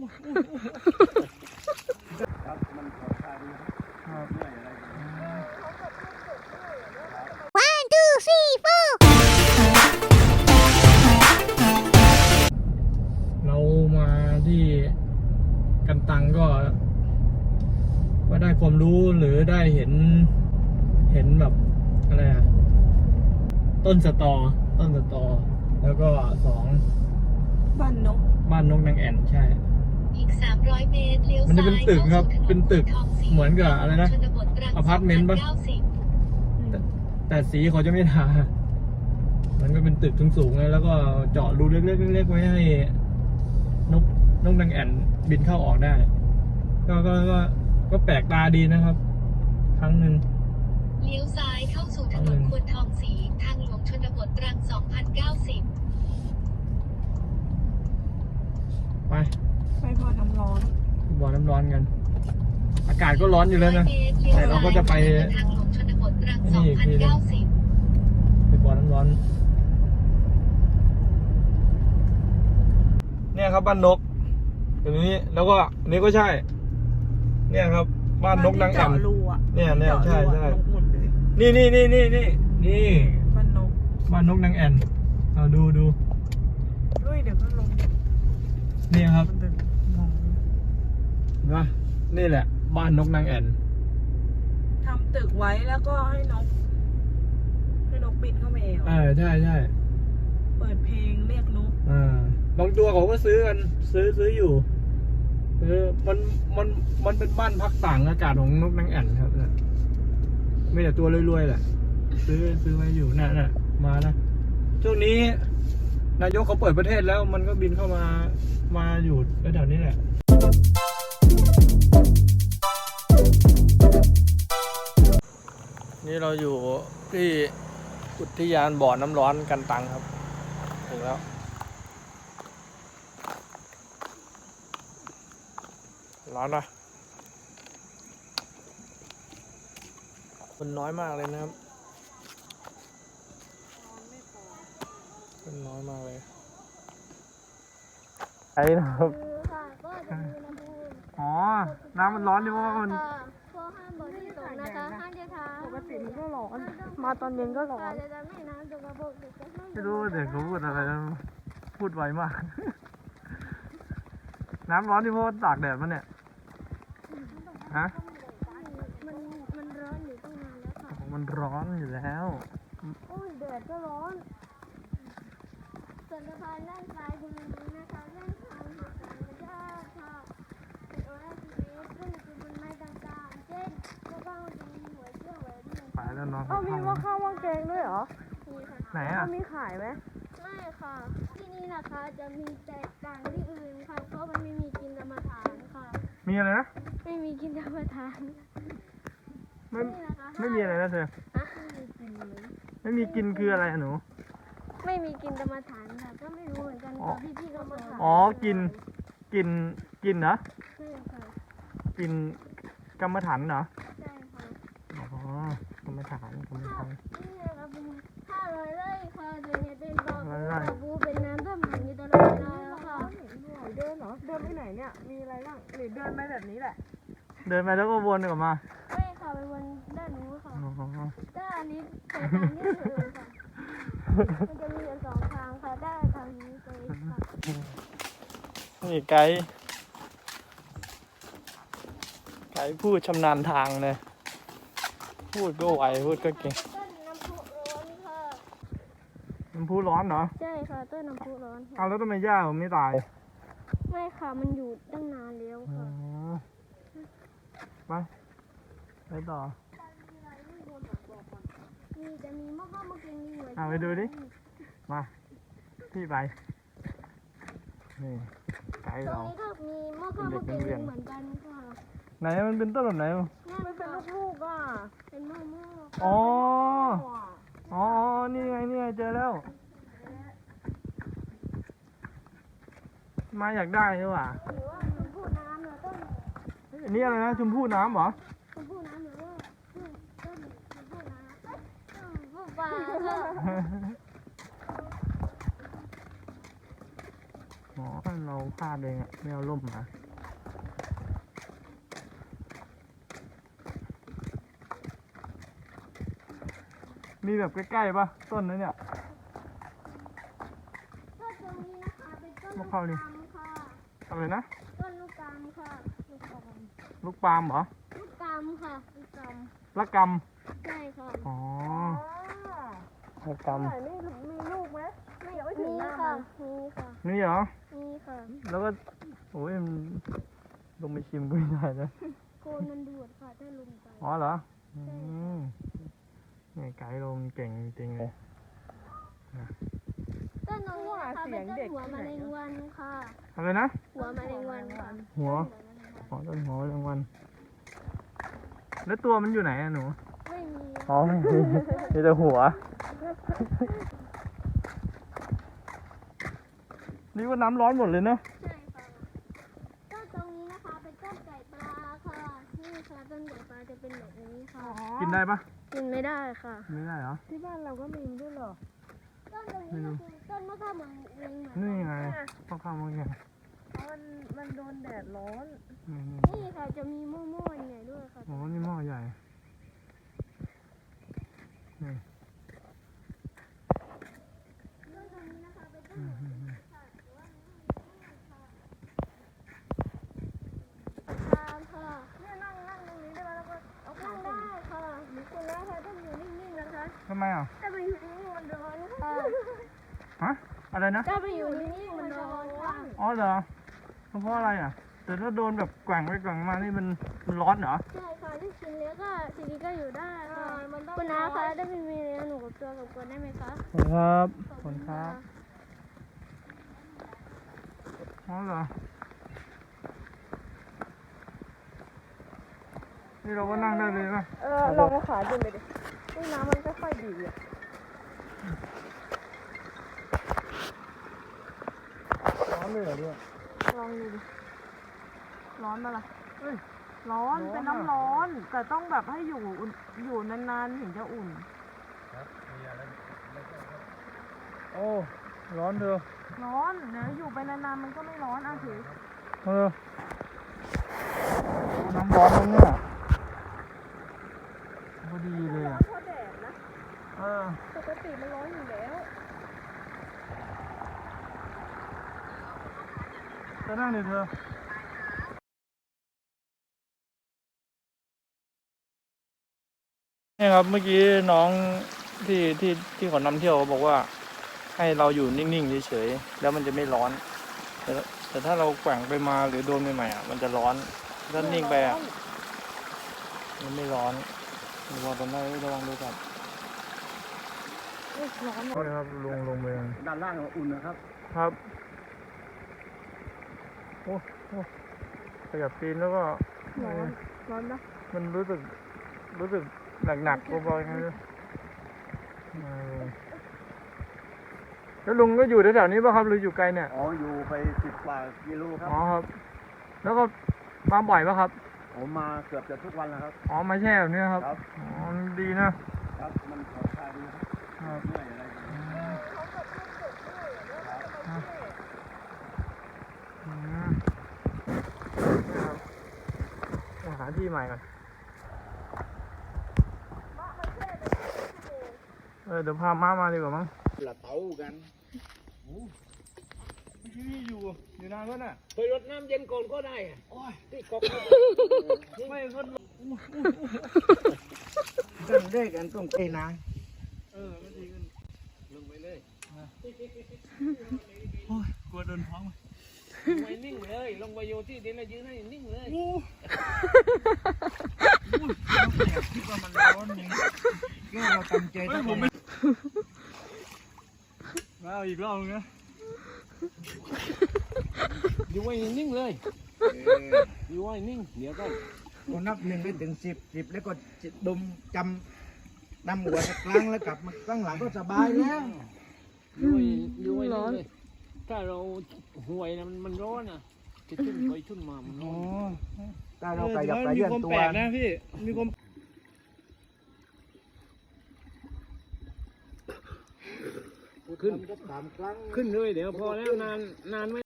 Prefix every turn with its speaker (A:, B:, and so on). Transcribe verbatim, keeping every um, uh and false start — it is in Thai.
A: มันขอทานครับเรื่อยอะไร
B: one two three four
C: เรามาที่กันตังก็ก็ได้ความรู้หรือได้เห็นเห็นแบบอะไรอะต้นสตอต้นสตอแล้วก็สอง
D: บ้านนก
C: บ้านนกนางแอ่นใช่
B: อีกสามร้อยเมตรเลี้ยวซ้าย
C: มันจะเป็นตึกครับเป็นตึกเหมือนกับอะไรนะอพาร์ตเมนต์ป่ะแต่แต่สีเขาจะไม่ทามันก็เป็นตึกสูงๆเลยแล้วก็เจาะรูเล็กๆเล็กๆไว้ให้นกนกนางแอ่นบินเข้าออกได้ก็ก็ก็ก็แปลกตาดีนะครับครั้งหนึ่ง
B: เลี้ยวซ้ายเข้าสู่ถนนควรทองศรีทางหลวงชนบทตรังสองพันเก้าสิบ
C: ไป
D: ไปบ่อน้ำร้อน
C: บ่อน้ำร้อนกันอากาศก็ร้อนอยู่แล้วนะแต่เราก็จะไป
B: ทางหลวงชนบทตรังสองพันเก้าสิบ
C: ไปบ่อน้ำร้อนเนี่ยครับบ้านนกตรงนี้แล้วก็อันนี้ก็ใช่เนี่ยครับบ้านนกนางแอ่นเนี่ยเนี่ยใช่ใช่นี่นี่นี่นี่นี่นี่
D: บ้านนก
C: บ้านนกนางแอ่นเอาดูดู
D: ด้วยเดี๋ยวก็ลง
C: นี่ครับนะนี่แหละบ้านนกนางแอ่น
D: ทำตึกไว้แล้วก็ให้นกให้นกบินเข้ามาเอง
C: เออใช่ใช่
D: เปิดเพลงเรียกนก
C: อ่าบางตัวเขาก็ซื้อกันซื้อซื้ออยู่เออมันมันมันเป็นบ้านพักต่างอากาศของนกนางแอ่นครับเนี่ยไม่แต่ตัวรวยๆแหละซื้อซื้อไว้อยู่น่ะน่ะมานะช่วงนี้นายกเขาเปิดประเทศแล้วมันก็บินเข้ามามาอยู่แถวๆนี้แหละนี่เราอยู่ที่อุทยานบ่อน้ำร้อนกันตังครับถึงแล้วร้อนปะคนน้อยมากเลยนะครับคนน้อยมากเลยไอ้นะครับอ๋อน้ำมันร้อนดิเพราะว่ามัน
B: ข้อห้ามบริสุทธิ์นะคะห้ามเดียวทาง
D: ปกติมันก็ร้อนมาตอนเย็นก็ร้อน
C: ไม่รู้เด็กเขาพูดอะไรพูดไวมากน้ำร้อนดิเพราะตากแดดมันเนี่ยฮะ
B: มันมันร้อนอยู่ตั้งนานแล้วค่ะ
C: มันร้อนอยู่แล้ว
B: โอ้ยแดดก็ร้อนส่วนสะพานด้านซ้ายคุณนะคะด้านทางหาดธรรมชาติค่ะเป็นโอเอซีเอสขึ้นคือบนไม้ต่างๆเช่นมะพร้าวจะมีหัวเชื่อมไว้ด้วย
C: ไปแล้วน้อง
D: เอ้ามีมะข้าวมะแกงด้วยเหรอ
B: มีค่ะ
C: ไหนอ่ะ
D: มีขายไหม
B: ไม่ค่ะที่นี่นะคะจะมีแตกต่างที่อื่นค่ะเพราะมันไม่มีกินกรรมฐานค่ะ
C: มีอะไรนะ
B: ไม่มีกินกรรมฐาน
C: ไม่ไม่มีอะไรนะเธอไม่มีกินคืออะไรหนู
B: ไม่มีกินกรรมฐานค่ะก็ไม่รู้เหมือนกันค่ะพี่พี่กรรมฐาน
C: อ๋อกินกินกินเหรอ
B: ใช่ค่ะ
C: กินกรรมฐานเหรอ
B: ใช่ค่ะ
C: อ๋อกรรมฐานกรรมฐาน
B: นี่นะครับเป็นห้าร้อยไร่ค่ะโดยเป็นบ่อบูเป็นน้ำท่วมขังอยู่ตลอดเวลาแล้วค่ะ
D: เดินเหรอเดินไปไหนเนี่ยมีอะไรบ้างหรือเดินไปแบบนี้แหละ
C: เดินไปแล้วก็วนกลับมา
B: ไม่ค่ะไปวนด้านนู้นค่ะด้านนี้ไปทางนี้เลยค่ะมันจะมีสองทางค่ะด้านทางนี้ไปค่ะ
C: นี่ไกด์ไกด์พูดชำนาญทางเลยพูดก็ไวพูดก็เก่ง
B: ต้นน้ำพุร้อนค่ะ
C: น้ำพุร้อนเหรอ
B: ใช่ค่ะต้นน้ำพุร้อน
C: เอาแล้วทำไมย่าผมไม่ตาย
B: ไม่ค่ะมันอยู่ตั้งนานแล้วค่ะ
C: ไปไปต่อ
B: มีจะมีมะม่วงมะเขือมีหัว
C: เอาไปดูดิมาพี่ไปนี่ไกด์เรา
B: ตรงนี้ก็มีมะม่วงมะเขือเหมือนกันค่ะ
C: ไหนมันเป็นต้นแบบไหน
D: มันเป็นลูกๆอ่ะ
B: เป็นมะม่วง
C: อ๋ออ๋อนี่ไงนี่ไงเจอแล้วมาอยากได้หรือเปล่า
B: หรือว่าชมพู่น้ำเหรอต้น
C: อันนี้อะไรนะชมพู่น้ำเหรอ
B: ชมพู่น้ำหรือว่าต้นชมพู่น้ำชมพู่ปลา
C: อ๋อเราพลาดเองอะไม่เอาร่มมามีแบบใกล้ๆปะต้นนั้นเนี่ย
B: ต้นตรงนี้นะคะเป็นต้น
C: มะ
B: ลูก
C: พร้าวนี่
B: กามค่ะ
C: อะไรนะ
B: ต้นลูกกามค่ะลูกกาม
C: ลูกปาล์มเหรอ
B: ลูกกามค่ะลูกกาม
C: ละก
B: ใช่ค่ะ
C: ำอ๋อ
D: อ๋อ
C: ละก
D: ไหนนี่มีลูกไหมไม่ยังไม่ถึง
B: มี
D: หน้า
B: ค่ะ
D: มัน
B: มีค่ะ
C: ำนี่เหรอ
B: มีค่ะ
C: แล้วก็โอ้ยมันลงไปชิมก็ไม่ได้นะ
B: โคนมันดูดค่ะถ้าลงไป
C: อ๋อเหรออืมนี่ไกด์ลงเก่งจริงๆเลย
B: ต้นตรงนี้นะคะเป็นต้นหัวมะเร็งวันค่ะ
C: อะไรนะ
B: หัวมะเร็งวันค่ะ
C: หัวอ๋อต้นหัวรางวัลแล้วตัวมันอยู่ไหนอะหนู
B: ไม่มี
C: อ๋อไม่มีมีแต่หัว นี่ว่าน้ำร้อนหมดเลยเนอะ
B: ใช่ค่ะต้นตรงนี้นะคะเป็นต้นไก่ปลาค่ะนี่ค่ะต้นไก่ปลาจะเป็นแบบนี้ค่ะ
C: กินได้ปะ
B: กินไม่ได้ค่ะ
C: กินไม่ได้เหรอ
D: ที่บ้านเราก็มีด้วยเหรอ
B: ต้นตรงนี้ก็คือต้นมะขามเหมือนเองเหมือน
C: นี่ไงพ่อข้าวมันไง
D: เพราะมันมันโดนแดดร้อน
C: นี่นี่
B: นี่ค่ะจะมีม่วงๆใหญ่ด้วยค่ะ
C: โอ้นี่หม้อใหญ่นี่
B: ต้นตรงนี้นะคะเป็นต้น
C: อืมอืมอืม
B: ตามค่ะ
D: เนี่ยนั่งนั่งตรงนี้ได้ไหมแล้วก็เอาขา
B: นั่ง
D: ขึ้น
B: ได้ค่ะมีคุณนะคะต้องอยู่นิ่งๆนะคะ
C: ทำไมอ่ะ
B: ถ้าไปอยู่นิ่งๆมันร้อนค่ะ
C: ฮะ อะไรนะ
B: ถ้าไปอยู่นิ่งๆมันร้อนค่ะ
C: อ๋อเหรอ เพราะอะไรอ่ะ แต่ถ้าโดนแบบแกว่งไปแกว่งมานี่มันมันร้อนเหรอ
B: ใช่ค่ะที่กินเลี้ยงก็ทีนี้ก็อยู่ได้ค่ะคุณน้าคะได้ไปมีเลี้ยงหนูกับตัวกับคนได้ไหมคะ
C: ขอบคุณครับขอบคุณครับอ๋อเหรอ นี่เราก็นั่งได้เลยป่ะ
D: เออลองเอาขาขึ้นไปดินี่น้ำมันก็ค่อยดีอ่ะ
C: ร้อนเลยเหรอเนี่ย
D: ลองดูดิ ร้อนปะล่ะ
C: เฮ้ย
D: ร้อน
C: ร้อน
D: เป็น
C: อะ
D: น้ำร้อน แต่ต้องแบบให้อยู่อุ่นอยู่นานๆถึงจะอุ่น
C: โอ้ ร้อนเถอะ
D: ร้อนเดี๋ยวอยู่ไปนานๆมันก็ไม่ร้อนอ่ะถือ
C: เออน้ำร้อนตรงเนี้ยพอดีเลยอ่ะ
D: เพราะแดดนะ
C: เออ
D: ปกติมันร้อนอยู่แล้ว
C: จะนั่งดิเธอ นี่ครับเมื่อกี้น้องที่ที่ที่เขานำเที่ยวเขาบอกว่า ให้เราอยู่นิ่งๆเฉยๆแล้วมันจะไม่ร้อน แต่แต่ถ้าเราแกว่งไปมาหรือโดนใหม่ๆอ่ะมันจะร้อนถ้านิ่งไปอ่ะมันไม่ร้อนระวังตรงนั้นระวังดูครับ
D: ร้อน
C: โทษนะครับลงลงไป
A: ด้านล่างอุ่นนะครับ
C: ครับโอ้โอ้ขยับตีนแล้วก็
D: ร้อนร้อนนะ
C: มันรู้สึกรู้สึกหนักๆเบาๆยังไงเลยเออแล้วลุงก็อยู่แถวๆนี้ป่ะครับหรืออยู่ไกลเนี่ย
A: อ๋อ อยู่ไปสิบกว่ากิโลครับ
C: อ๋อครับ แล้วก็มาบ่อยป่ะครับ
A: ผมมาเกือบจะทุกวันแล้วครับ
C: อ๋อมาแช่แบบนี้ครับ
A: ครับ
C: อ๋อดีนะครับ
A: มันผ่อนคลายดีครับ
C: ครับ
A: เหนื่อยอะไรอย่างเงี้ย
C: อืมครับเอาหาที่ใหม่ก่อนเออเดี๋ยวพาม้ามาดีกว่ามั้ง
A: ละเต้ากัน
C: ที่อยู่ อยู่นานก็น่ะ
A: เคยรดน้ำเย็นก่อนก็ได้อะโอ้ยที่กอก
C: ไม่ก็
A: ต้องได้กันต้องเตนาง
C: เออไม่ดีขึ้น
A: ลงไปเลย
C: โอ้ยกลัวโดนท้อง
A: ลงไปนิ่งเลย ลงไปโยที่ดินแล้วยืนให้นิ่งเลย
C: โอ้โหคิดว่ามันร้อนจริง
A: แค่เราตั้งใจ
C: เฮ้
A: ต้
C: ย
A: อง
C: ผมไม่มาเอาอีกรอบนึงนะ
A: อยู่ไว้นิ่งเลยอยู่ไว้นิ่ง เดี๋ยวก็
E: ก็นับหนึ่งไปถึงสิบสิบแล้วก็ดมจำดำหัวสักครั้งแล้วกลับมาข้างหลังก็สบายแล้ว
A: อยู่ไว้อยู่ไว้นิ่งเลย ถ้าเราห่วยนะมันมันร้อนอ่ะจะชุ่นไปชุ่นมามันร้อน
E: ถ้าเราขยับกระเยื่อนตัว
C: มีความแปลกนะพี่ มีความ
A: ขึ้นขึ้นเลยเดี๋ยวพอแล้วนานนานไม่